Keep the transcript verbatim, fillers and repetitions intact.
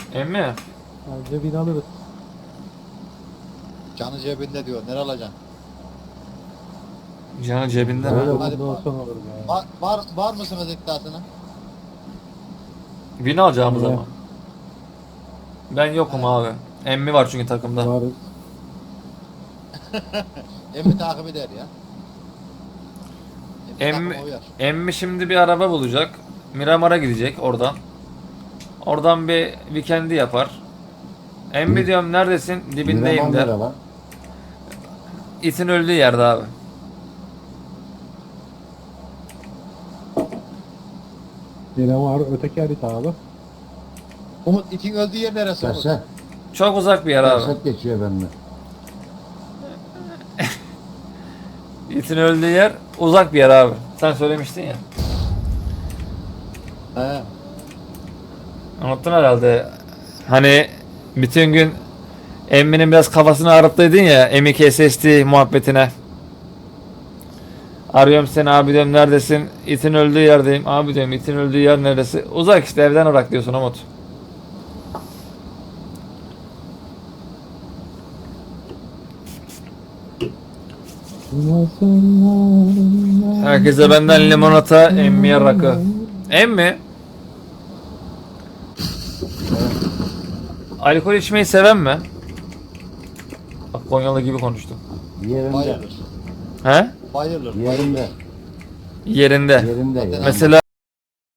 Emmi. Bence bin alırız. Canı cebinde diyor. Nereye alacaksın? Canı cebinde Öyle mi? bu. Hadi Bundan sonra alırım ya. Var, var, var mısınız iddiasına? Bin alacağımız Niye? ama. Ben yokum abi. Emmi var çünkü takımda. Varız. Emmi takip eder ya. Emmi, takıma uyar. emmi şimdi bir araba bulacak. Miramar'a gidecek oradan. Oradan bir weekend'i yapar. Emmi diyorum neredesin? Dibindeyim Miramar der. nere lan? İtin öldüğü yerde abi. Yine var öteki harita abi. Umut itin öldüğü yer neresi Umut? Serset. Çok uzak bir yer abi. Serset geçiyor benimle. İtin öldüğü yer uzak bir yer abi. Sen söylemiştin ya. He. Unuttun herhalde. Hani bütün gün Emmi'nin biraz kafasını ağrıttıydın ya M iki S S D muhabbetine. Arıyorum seni abi diyorum neredesin? İtin öldüğü yerdeyim. Abi diyorum itin öldüğü yer neresi? Uzak işte evden uzak diyorsun Umut. Herkese benden limonata, Emmi'ye rakı. Emmi? Alkol içmeyi seven mi? Bak Konyalı gibi konuştum. Yerinde. Bayılır. He? Bayılır. Yerinde. Yerinde. Yerinde. Yani. Mesela